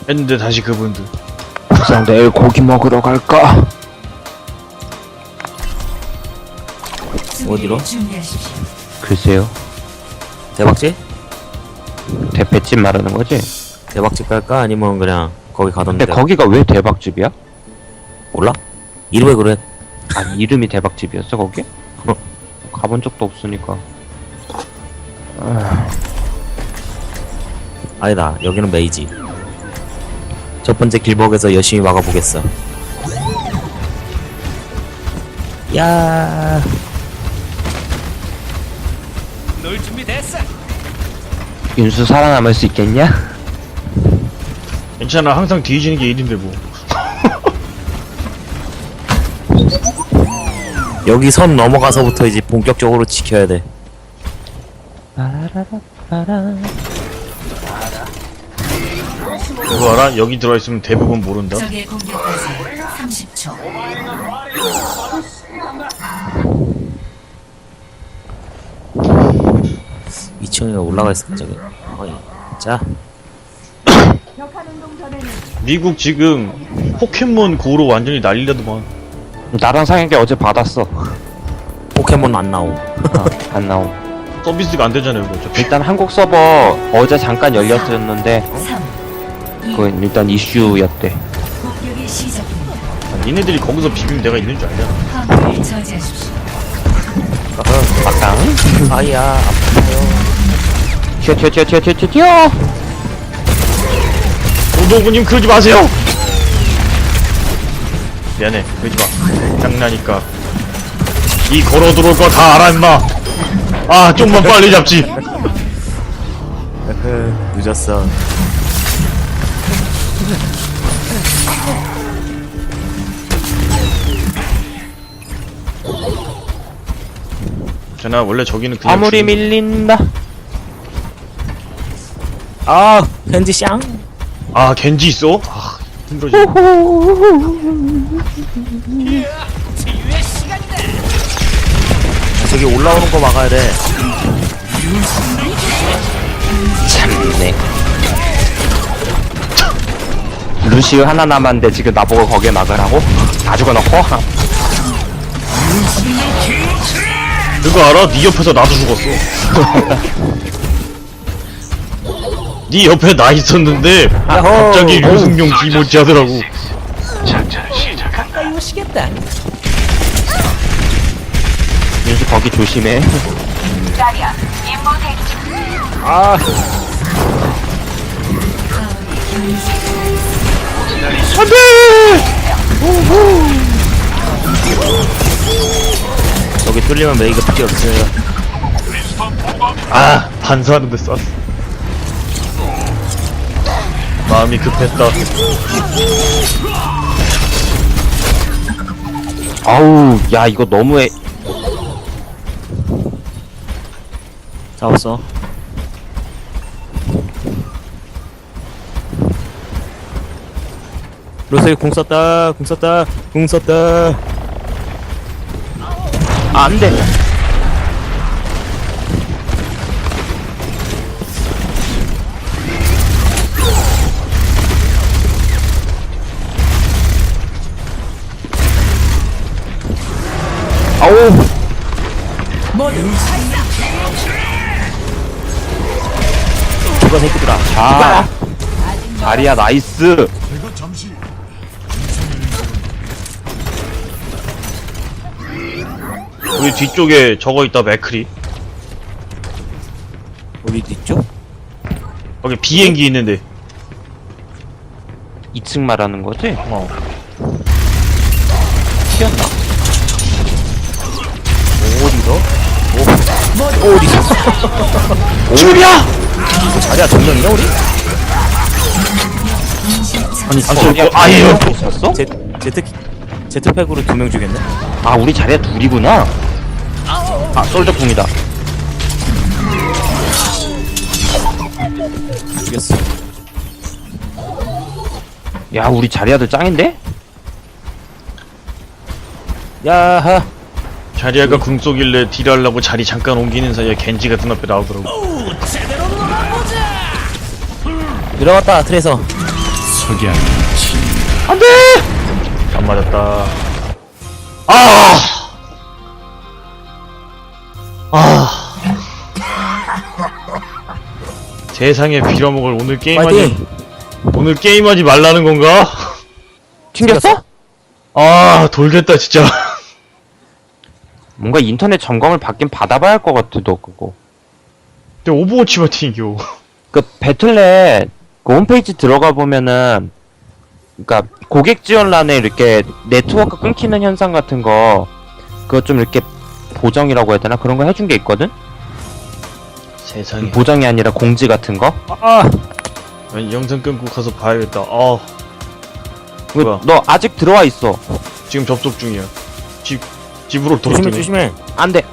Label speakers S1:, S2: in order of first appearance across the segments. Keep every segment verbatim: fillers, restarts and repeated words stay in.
S1: 했는데 다시 그분들.
S2: 우선 내일 고기 먹으러 갈까?
S3: 어디로?
S2: 글쎄요.
S3: 대박집?
S2: 대패집 말하는 거지?
S3: 대박집 갈까? 아니면 그냥 거기 가던데.
S2: 근데 거기가 왜 대박집이야?
S3: 몰라? 이름에 그래.
S2: 아, 이름이 대박집이었어 거기? 어, 가본 적도 없으니까. 아,
S3: 아니다. 여기는 메이지. 첫 번째 길목에서 열심히 막아보겠어. 야.
S4: 놀 준비 됐어.
S2: 윤수 살아남을 수 있겠냐?
S1: 괜찮아, 항상 뒤지는 게 일인데 뭐.
S3: 여기 선 넘어가서부터 이제 본격적으로 지켜야 돼.
S1: 그거 알아? 여기 들어있으면 대부분 모른다.
S5: 적의 공격까지 삼십 초.
S3: 이 층에 올라가 있을까 저기. 어이. 자.
S1: 미국 지금 포켓몬 고로 완전히 난리라더만.
S2: 나랑 상혁이 어제 받았어.
S3: 포켓몬 안 나오.
S2: 어, 안 나옴.
S1: 서비스가 안 되잖아요, 이거 어차피.
S2: 일단 한국 서버 어제 잠깐 열렸었는데
S5: 삼, 이,
S2: 그건 일단 이슈였대.
S5: 공격이 시작됩니다.
S1: 아, 니네들이 거기서 비비면 내가 있는 줄 알잖아.
S5: 화물을 저지하십시오.
S2: 막강.
S3: 아이야 아파요.
S2: 튀어 튀어 튀어 튀어 튀어 튀어 튀어.
S1: 노도구님 그러지 마세요! 미안해, 그러지 마. 장난이니까. 이 걸어 들어올 거 다 알아, 임마! 아, 좀만 빨리 잡지!
S3: 늦었어.
S1: 괜찮아, 원래 저기는 그냥.
S2: 아무리
S1: 죽는-
S2: 밀린다.
S3: 아 현지 샹.
S1: 아, 겐지 있어? 아, 힘들어지.
S3: 저기 올라오는 거 막아야 돼.
S2: 참네. 루시우 하나 남았는데 지금 나보고 거기에 막으라고? 다 죽어놓고?
S1: 그거 알아? 네 옆에서 나도 죽었어. 네 옆에 나 있었는데 갑자기
S3: 어우.
S1: 유승용 기모찌 하더라고.
S4: 가까이 오시겠다.
S2: 윤수 거기 조심해.
S3: 아 여기 뚫리면 메이가 필요 없어요.
S1: 아, 반사하는데 쐈어. 마음이 급했다.
S2: 아우, 야 이거 너무해.
S3: 잡았어. 로스이 궁 썼다. 궁 썼다. 궁 썼다.
S2: 아, 안 돼. 아우.
S3: 누가 새끼들아.
S2: 아. 자리야 나이스.
S1: 우리 뒤쪽에 저거 있다, 맥크리.
S3: 어디 있죠?
S1: 거기 비행기 있는데.
S2: 이 층 말하는 거지?
S1: 어.
S2: 튀었나?
S3: 어디서? 오, 어디서?
S2: 줄이야!
S3: 뭐 자리야 정령이야 우리?
S2: 아니
S1: 안
S2: 자리야
S1: 쏠 거- 아예요.
S2: 있었어?
S3: 제 제트 제트팩으로 두 명 죽였네.
S2: 아 우리 자리야 둘이구나. 아 솔저궁이다.
S3: 죽였어.
S2: 야 우리 자리야들 짱인데?
S3: 야하.
S1: 자리아가 궁 쏘길래 딜하려고 자리 잠깐 옮기는 사이에 겐지가 눈앞에 나오더라고.
S3: 들어갔다 트레서.
S1: 안돼! 안 맞았다. 아! 아! 세상에 빌어먹을 오늘 게임하지
S3: 파이팅!
S1: 오늘 게임하지 말라는 건가?
S2: 튕겼어?
S1: 아 돌겠다 진짜.
S2: 뭔가 인터넷 점검을 받긴 받아봐야 할 것 같아, 너 그거.
S1: 근데 오버워치만 튕겨.
S2: 그 배틀넷 그 홈페이지 들어가 보면은 그니까 고객 지원란에 이렇게 네트워크 끊기는 현상 같은 거 그거 좀 이렇게 보정이라고 해야 되나? 그런 거 해준 게 있거든?
S1: 세상에.
S2: 보정이 아니라 공지 같은 거?
S3: 아!
S1: 아니, 영상 끊고 가서 봐야겠다. 아 뭐야?
S2: 너 아직 들어와 있어.
S1: 지금 접속 중이야. 집 집으로
S3: 조심해
S1: 돌아오네.
S3: 조심해.
S2: 안 돼.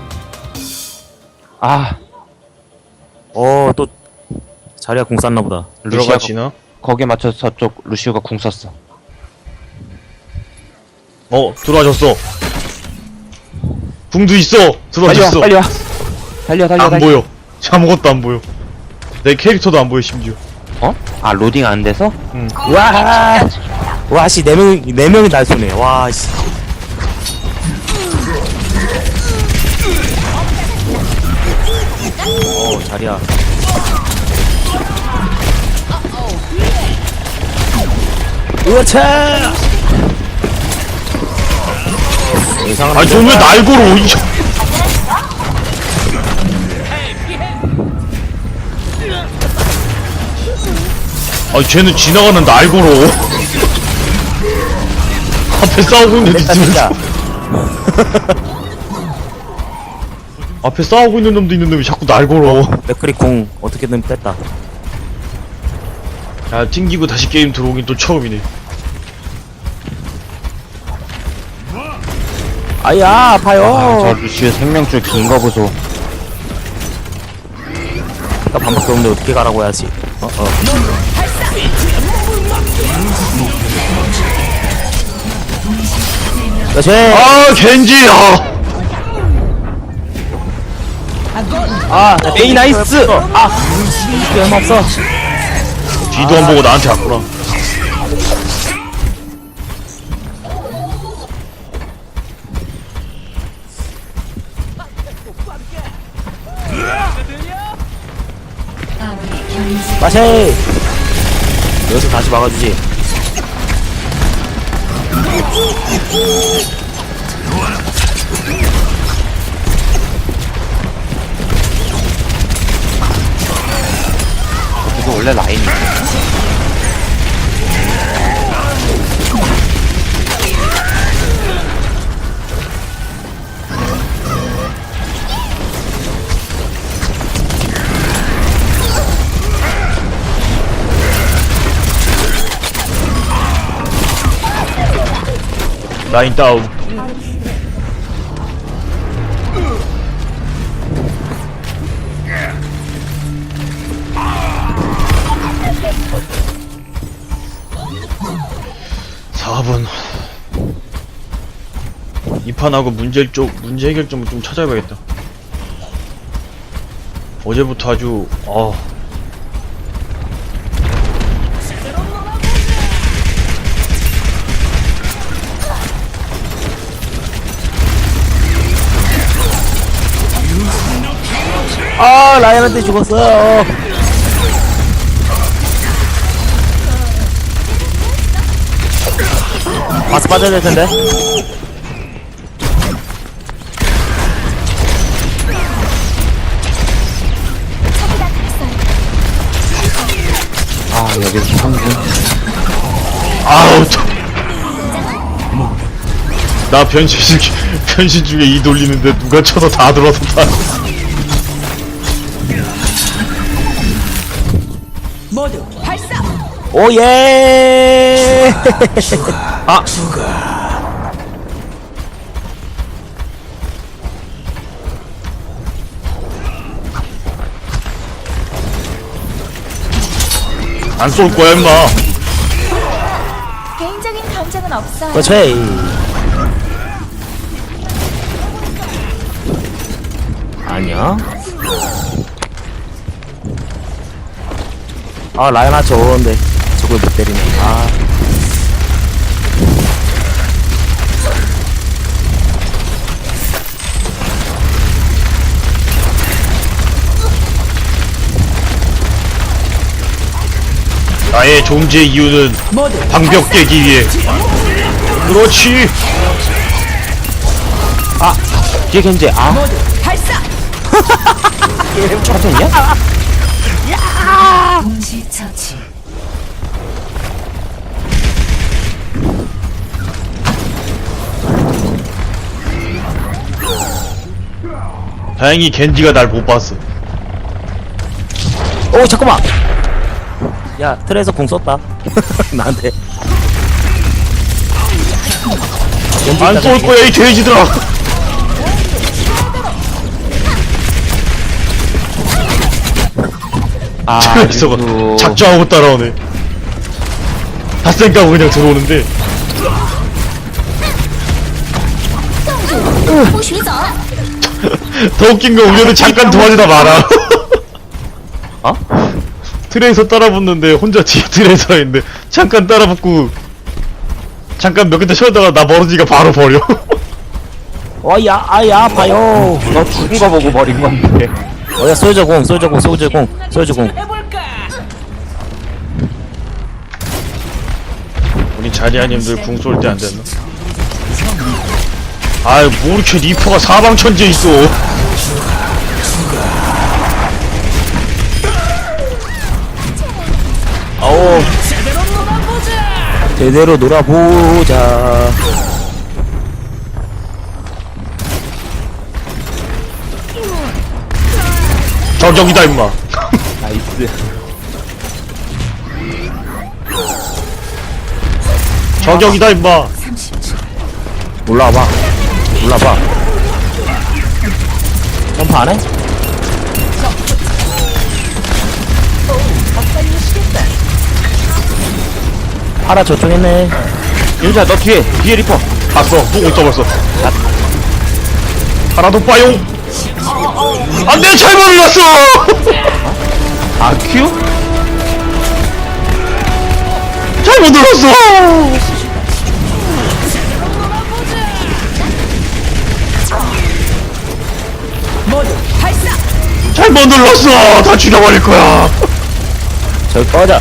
S2: 아,
S3: 어, 또 자리가 공 쌌나 보다.
S1: 루시아
S2: 루시아가
S1: 지나?
S2: 거기에 맞춰서 저쪽 루시오가 궁 썼어.
S1: 어 들어와줬어. 궁도 있어.
S2: 빨리 와,
S1: 들어와줬어.
S2: 빨리 와. 달려, 달려,
S1: 안
S2: 달려.
S1: 보여. 아무것도 안 보여. 내 캐릭터도 안 보여 심지어.
S2: 어? 아, 로딩 안 돼서?
S1: 응.
S3: 와! 와, 씨, 네 명이, 네 명이 날 쏘네. 와, 씨. 어, 자리야. 으차! 이상한.
S1: 아니 저왜 날 걸어? 이 저- 아니 쟤는 지나가는 날 걸어. 앞에 싸우고 있는데
S3: 됐다,
S1: 있으면서
S3: 됐다.
S1: 앞에 싸우고 있는 놈도 있는데 왜 자꾸 날 걸어.
S3: 맥크리 공 어떻게든 뺐다.
S1: 야 튕기고 다시 게임 들어오긴 또 처음이네.
S3: 아야, 아파요.
S2: 아, 저 루시오 생명줄 긴 거 보소.
S3: 나 반밖에 없는데 어떻게 가라고 해야지. 어, 어. 그렇지.
S1: 아 겐지. 아
S3: 아, 에이, 나이스. 아, 이게 얼마 없어.
S1: 뒤도 안 보고 나한테 왔구나.
S5: 아군이 경제
S3: 마시. 여기서 다시 막아주지.
S2: 이거 원래 라인이.
S1: 라인 다운. 사 분. 이 판하고 문제 쪽 문제 해결점을 좀 찾아봐야겠다. 어제부터 아주 어.
S3: 아, 라이언한테 죽었어. 마스 빠져야 될 텐데.
S2: 아, 여기서 삼 분.
S1: 아우 저. 나 변신 중 변신 중에 이 돌리는데 누가 쳐서 다 들어서 다.
S3: 오, 예! 아!
S1: 안 쏠 거야 임마.
S6: 개인적인 감정은 없어요.
S3: 그렇지. 아니야. 아, 라이언아 좋은데. 저 그걸 못 때리네. 아,
S1: 나의 존재 이유는 방벽 깨기 위해. 그렇지.
S2: 뒤에 겐지. 아. 차선이야?
S5: 동시 처치.
S1: 다행히 겐지가 날 못 봤어.
S3: 오, 잠깐만! 야, 틀에서 공 썼다. 나한테.
S1: 안 쏠 거야 이 돼지들아.
S2: 아,
S1: 트레이서가
S2: 유수.
S1: 작정하고 따라오네. 닷생 까고 그냥 들어오는데. 더 웃긴 건 우리는 잠깐 도와주다 말아.
S2: 어?
S1: 트레이서 따라붙는데 혼자 뒤에 트레이서가 있는데 잠깐 따라붙고 잠깐 몇 개째 쉬었다가 나 멀어지니까 바로 버려.
S3: 어, 야, 아, 야, 아파요.
S2: 너 죽은 거 보고 버린 건데.
S3: 어, 야, 솔저 공, 솔저 공, 솔저 공, 솔저 공.
S4: 해볼까?
S1: 우리 자리아님들 궁 쏠 때 안 됐나? 아이 뭐 이렇게 리퍼가 사방천지에 있어.
S3: 어우, 제대로 놀아보자.
S1: 저격이다 임마.
S2: 나이스.
S1: 저격이다 임마.
S5: 삼십 초.
S3: 올라와봐. 올라와봐. 점프 안 해? 파라 저쪽 했네.
S2: 윤수야, 너 뒤에. 뒤에 리퍼.
S1: 봤어. 보고 있어 벌써. 하나도 빠용. 안돼 잘못 눌렀어.
S2: 아, 큐?
S1: 잘못 눌렀어. 잘못 눌렀어. 다 죽여버릴 거야.
S3: 저기 꺼져.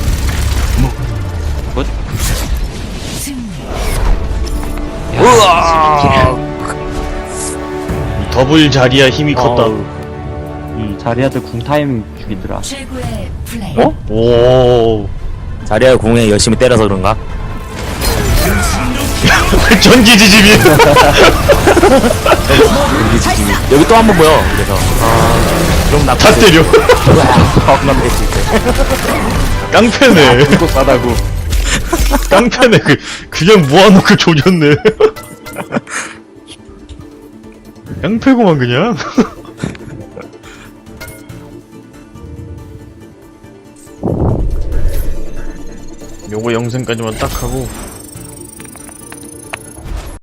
S1: 더블 자리야 힘이 컸다.
S2: 음, 자리아들 궁 타이밍 죽이더라.
S5: 최고의 플레이.
S2: 어?
S1: 오.
S3: 자리야 공에 열심히 때려서 그런가?
S1: 전기 지짐이.
S3: 여기 또 한 번 보여. 그래서 아, 그럼 나
S1: 다 때려.
S3: 겁나 뺄수 있어.
S1: 깡패네.
S2: 이거 싸다고.
S1: 깡패네. 그 그냥 모아놓고 조졌네. 깡패구만 그냥. 요거 영상까지만 딱 하고